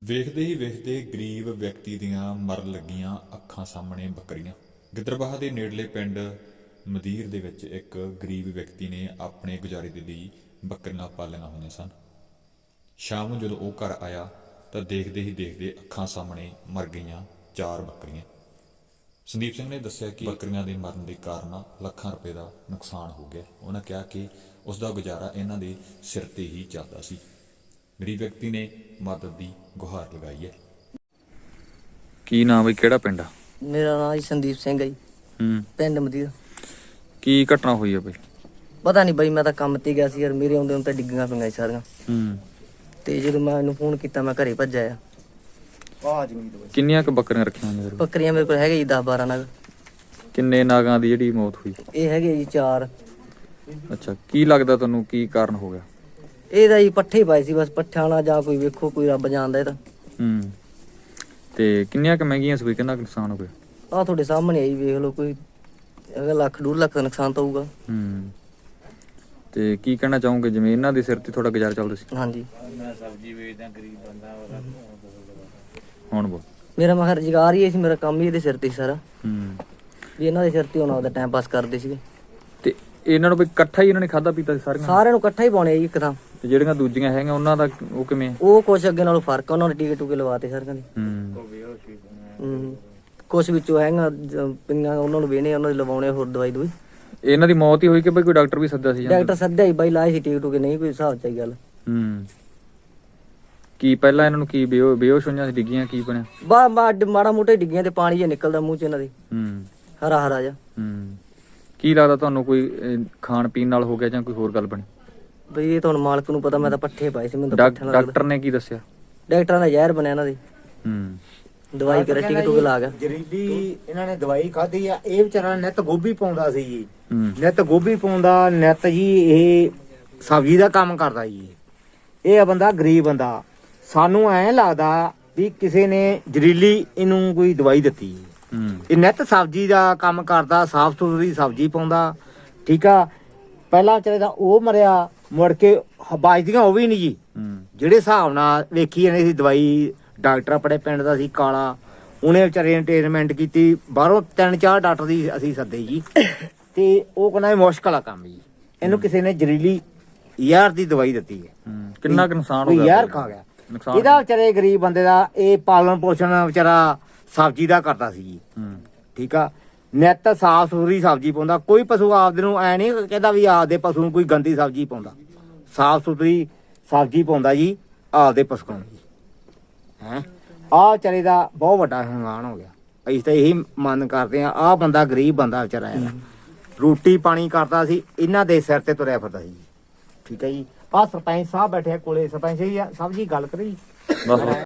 ਵੇਖਦੇ ਹੀ ਵੇਖਦੇ ਗਰੀਬ ਵਿਅਕਤੀ ਦੀਆਂ ਮਰਨ ਲੱਗੀਆਂ ਅੱਖਾਂ ਸਾਹਮਣੇ ਬੱਕਰੀਆਂ। ਗਿੱਦੜਬਾਹਾ ਦੇ ਨੇੜਲੇ ਪਿੰਡ ਮਦੀਰ ਦੇ ਵਿੱਚ ਇੱਕ ਗਰੀਬ ਵਿਅਕਤੀ ਨੇ ਆਪਣੇ ਗੁਜ਼ਾਰੇ ਦੇ ਲਈ ਬੱਕਰੀਆਂ ਪਾਲੀਆਂ ਹੋਈਆਂ ਸਨ। ਸ਼ਾਮ ਨੂੰ ਜਦੋਂ ਉਹ ਘਰ ਆਇਆ ਤਾਂ ਦੇਖਦੇ ਹੀ ਦੇਖਦੇ ਅੱਖਾਂ ਸਾਹਮਣੇ ਮਰ ਗਈਆਂ 4 ਬੱਕਰੀਆਂ। ਸੰਦੀਪ ਸਿੰਘ ਨੇ ਦੱਸਿਆ ਕਿ ਬੱਕਰੀਆਂ ਦੇ ਮਰਨ ਦੇ ਕਾਰਨ ਲੱਖਾਂ ਰੁਪਏ ਦਾ ਨੁਕਸਾਨ ਹੋ ਗਿਆ। ਉਹਨਾਂ ਕਿਹਾ ਕਿ ਉਸ ਦਾ ਗੁਜ਼ਾਰਾ ਇਹਨਾਂ ਦੇ ਸਿਰ ਤੇ ਹੀ ਚੱਲਦਾ ਸੀ। ਗਰੀਬ ਵਿਅਕਤੀ ਨੇ ਮਦਦ ਦੀ ਗੁਹਾਰ ਲਗਾਈ ਹੈ। ਕੀ ਨਾਮ ਬਈ, ਕਿਹੜਾ ਪਿੰਡ ਆ? ਮੇਰਾ ਨਾਮ ਜੀ ਸੰਦੀਪ ਸਿੰਘ ਹੈ ਜੀ। ਪਿੰਡ ਮਦੀਰ। ਕੀ ਘਟਨਾ ਹੋਈ ਆ ਬਈ? ਪਤਾ ਨਹੀਂ ਬਈ, ਮੈਂ ਤਾਂ ਕੰਮ ਤੇ ਗਿਆ ਸੀ ਯਾਰ। ਮੇਰੇ ਆਉਂਦੇ ਨੂੰ ਤਾਂ ਡਿੱਗੀਆਂ ਪਈਆਂ ਸੀ ਸਾਰੀਆਂ। ਤੇ ਜਦੋਂ ਮੈਂ ਇਹਨੂੰ ਫੋਨ ਕੀਤਾ ਮੈਂ ਘਰੇ ਭੱਜਿਆ ਆ। ਕਿੰਨੀਆਂ ਕੁ ਬੱਕਰੀਆਂ ਰੱਖੀਆਂ ਨੇ ਤੇਰੇ ਕੋਲ? ਬੱਕਰੀਆਂ ਮੇਰੇ ਕੋਲ ਹੈਗੇ ਜੀ 10-12 ਨਗ। ਕਿੰਨੇ ਨਾਗਾਂ ਦੀ ਜਿਹੜੀ ਮੌਤ ਹੋਈ? ਇਹ ਹੈਗੇ ਜੀ 4। ਅੱਛਾ, ਕੀ ਲੱਗਦਾ ਤੁਹਾਨੂੰ ਕੀ ਕਾਰਨ ਹੋ ਗਿਆ? ਇਹਦਾ ਜੀ ਪੱਠੇ ਪਾਏ ਸੀ ਬਸ। ਪੱਠਿਆਂ ਨਾਲ ਜਾਂ ਕੋਈ ਵੇਖੋ, ਕੋਈ ਰੱਬ ਜਾਣਦਾ ਇਹ ਤਾਂ। ਤੇ ਕਿੰਨੀਆਂ ਕੁ ਮਹਿੰਗੀਆਂ ਸੀ? ਕਿੰਨਾ ਕੁ ਨੁਕਸਾਨ ਹੋ ਗਿਆ? ਆਹ ਤੁਹਾਡੇ ਸਾਹਮਣੇ ਆਈ, ਵੇਖ ਲਓ। ਕੋਈ ਅਗਰ ਲੱਖ 1.5 ਲੱਖ ਦਾ ਨੁਕਸਾਨ ਤਾਂ ਹੋਊਗਾ। ਤੇ ਕੀ ਕਹਿਣਾ ਚਾਹੋਗੇ, ਜਿਵੇਂ ਇਹਨਾਂ ਦੇ ਸਿਰ ਤੇ ਤੁਹਾਡਾ ਗੁਜ਼ਾਰਾ ਚੱਲਦਾ ਸੀ? ਹਾਂਜੀ। ਮੈਂ ਸਬਜ਼ੀ ਵੇਚਦਾ, ਗਰੀਬ ਬੰਦਾ। ਹੁਣ ਬੋਲ। ਮੇਰਾ ਮਖਰ ਰੁਜ਼ਗਾਰ ਹੀ ਇਹ ਸੀ, ਮੇਰਾ ਕੰਮ ਹੀ ਇਹਦੇ ਸਿਰ ਤੇ ਸੀ ਸਾਰਾ। ਵੀ ਇਹਨਾਂ ਦੇ ਸਿਰ ਤੇ ਹੁਣ ਆਪਦਾ ਟਾਈਮ ਪਾਸ ਕਰਦੇ ਸੀਗੇ। ਤੇ ਇਹਨਾਂ ਨੂੰ ਵੀ ਇਕੱਠਾ ਹੀ ਇਹਨਾਂ ਨੇ ਖਾਦਾ ਪੀਤਾ ਸੀ ਸਾਰਿਆਂ ਨੂੰ ਇਕੱਠਾ ਹੀ ਪਾਉਣੇ ਜੀ ਇੱਕਦਮ। ਤੇ ਜਿਹੜੀਆਂ ਦੂਜੀਆਂ ਹੈਗੀਆਂ ਉਹਨਾਂ ਦਾ ਉਹ ਕਿਵੇਂ ਆ? ਉਹ ਕੁਛ ਅੱਗੇ ਨਾਲੋਂ ਫਰਕ ਆ, ਉਹਨਾਂ ਨੇ ਟੀਕੇ ਟੂਕੇ ਲਵਾਤੇ ਸਾਰਿਆਂ ਦੇ। ਕੁਛ ਵਿੱਚੋਂ ਹੈਗਾ ਪਈਆਂ, ਉਹਨਾਂ ਨੂੰ ਵੇਹਣੇ, ਉਹਨਾਂ ਦੇ ਲਵਾਉਣੇ ਹੋਰ ਦਵਾਈ ਦੂਈ। ਇਹਨਾਂ ਦੀ ਮੌਤ ਹੀ ਹੋਈ ਕਿ ਬਈ ਕੋਈ ਡਾਕਟਰ ਵੀ ਸੱਦਿਆ ਸੀ? ਡਾਕਟਰ ਸੱਦਿਆ ਹੀ ਬਾਈ, ਲਾਏ ਸੀ ਟੀਕੇ ਟੂਕੇ, ਨਹੀਂ ਕੋਈ ਹਿਸਾਬ ਚ ਆਈ ਗੱਲ। ਕੀ ਪਹਿਲਾਂ ਇਹਨਾਂ ਨੂੰ ਕੀ ਬੇਹੋਸ਼ ਹੋਈਆਂ ਸੀ, ਡਿੱਗੀਆਂ, ਕੀ ਬਣਿਆ? ਮਾੜਾ ਮੋਟਾ ਡਿੱਗੀਆਂ ਤੇ ਪਾਣੀ ਜਿਹਾ ਨਿਕਲਦਾ ਮੂੰਹ ਚ ਇਹਨਾਂ ਦੇ, ਹਰਾ ਹਰਾ ਜਿਹਾ। ਕੀ ਲੱਗਦਾ ਤੁਹਾਨੂੰ, ਕੋਈ ਖਾਣ ਪੀਣ ਨਾਲ ਹੋ ਗਿਆ ਜਾਂ ਕੋਈ ਹੋਰ ਗੱਲ ਬਣੀ? ਬਈ ਇਹ ਤਾਂ ਹੁਣ ਮਾਲਕ ਨੂੰ ਪਤਾ। ਮੈਂ ਤਾਂ ਪੱਠੇ ਪਾਏ ਸੀ, ਮੈਨੂੰ ਤਾਂ ਪੱਠਿਆਂ ਨਾਲ। ਡਾਕਟਰ ਨੇ ਕੀ ਦੱਸਿਆ? ਡਾਕਟਰਾਂ ਦਾ ਜ਼ਹਿਰ ਬਣਿਆ ਇਹਨਾਂ ਦੇ। ਦਵਾਈ ਕਰੇ, ਟੀਕੇ ਟੂਕੇ ਲਾ ਗਿਆ। ਜ਼ਹਿਰੀਲੀ ਇਹਨਾਂ ਨੇ ਦਵਾਈ ਖਾਧੀ ਆ। ਇਹ ਵਿਚਾਰਾ ਨਿੱਤ ਗੋਭੀ ਪਾਉਂਦਾ ਸੀ ਜੀ। ਨਿੱਤ ਗੋਭੀ ਪਾਉਂਦਾ, ਨਿੱਤ ਜੀ ਇਹ ਸਬਜ਼ੀ ਦਾ ਕੰਮ ਕਰਦਾ ਜੀ। ਇਹ ਆ ਬੰਦਾ ਗਰੀਬ ਬੰਦਾ। ਸਾਨੂੰ ਐਂ ਲੱਗਦਾ ਵੀ ਕਿਸੇ ਨੇ ਜ਼ਹਿਰੀਲੀ ਇਹਨੂੰ ਕੋਈ ਦਵਾਈ ਦਿੱਤੀ। ਇਹ ਨਿੱਤ ਸਬਜ਼ੀ ਦਾ ਕੰਮ ਕਰਦਾ, ਸਾਫ਼ ਸੁਥਰੀ ਸਬਜ਼ੀ ਪਾਉਂਦਾ। ਠੀਕ ਆ। ਪਹਿਲਾਂ ਵਿਚਾਰੇ ਦਾ ਉਹ ਮਰਿਆ, ਮੁੜ ਕੇ ਬਾਜਦੀਆਂ ਉਹ ਵੀ ਨਹੀਂ ਜੀ। ਜਿਹੜੇ ਹਿਸਾਬ ਨਾਲ ਵੇਖੀ ਜਾਂਦੇ ਸੀ ਦਵਾਈ, ਡਾਕਟਰ ਆਪਣੇ ਪਿੰਡ ਦਾ ਸੀ ਕਾਲਾ, ਉਹਨੇ ਵਿਚਾਰੇ ਨੇ ਟ੍ਰੀਟਮੈਂਟ ਕੀਤੀ। ਬਾਹਰੋਂ 3-4 ਡਾਕਟਰ ਦੀ ਅਸੀਂ ਸੱਦੇ ਜੀ। ਤੇ ਉਹ ਕਹਿੰਦਾ ਇਹ ਮੁਸ਼ਕਲ ਆ ਕੰਮ ਜੀ। ਇਹਨੂੰ ਕਿਸੇ ਨੇ ਜ਼ਹਿਰੀਲੀ ਯਾਰ ਦੀ ਦਵਾਈ ਦਿੱਤੀ ਹੈ। ਕਿੰਨਾ ਕੁ ਨੁਕਸਾਨ ਹੋ ਗਿਆ? ਯਾਰ ਖਾ ਗਿਆ ਇਹਦਾ ਵਿਚਾਰੇ ਗਰੀਬ ਬੰਦੇ ਦਾ। ਇਹ ਪਾਲਣ ਪੋਸ਼ਣ ਵਿਚਾਰਾ ਸਬਜ਼ੀ ਦਾ ਕਰਦਾ ਸੀ ਜੀ। ਠੀਕ ਆ। ਨਿੱਤ ਸਾਫ਼ ਸੁਥਰੀ ਸਬਜ਼ੀ ਪਾਉਂਦਾ। ਕੋਈ ਪਸ਼ੂ ਆਪਦੇ ਨੂੰ ਐ ਨਹੀਂ ਕਹਿੰਦਾ ਵੀ ਆਪਦੇ ਪਸ਼ੂ ਨੂੰ ਕੋਈ ਗੰਦੀ ਸਬਜ਼ੀ ਪਾਉਂਦਾ। ਸਾਫ਼ ਸੁਥਰੀ ਸਬਜ਼ੀ ਪਾਉਂਦਾ ਜੀ ਆਪਦੇ ਪਸ਼ੂਆਂ ਨੂੰ। ਆਹ ਵਿਚਾਰੇ ਦਾ ਬਹੁਤ ਵੱਡਾ ਨੁਕਸਾਨ ਹੋ ਗਿਆ। ਅਸੀਂ ਤਾਂ ਇਹੀ ਮੰਨ ਕਰਦੇ ਆ। ਆਹ ਬੰਦਾ ਗਰੀਬ ਬੰਦਾ ਵਿਚਾਰਾ ਹੈ, ਰੋਟੀ ਪਾਣੀ ਕਰਦਾ ਸੀ, ਇਹਨਾਂ ਦੇ ਸਿਰ ਤੇ ਤੁਰਿਆ ਫਿਰਦਾ ਸੀ। ਠੀਕ ਹੈ ਜੀ। ਆਹ ਸਰਪੰਚ ਸਾਹਿਬ ਬੈਠੇ ਕੋਲੇ। ਸਰਪੰਚ ਜੀ ਸਭ ਜੀ ਗੱਲ ਕਰੀ।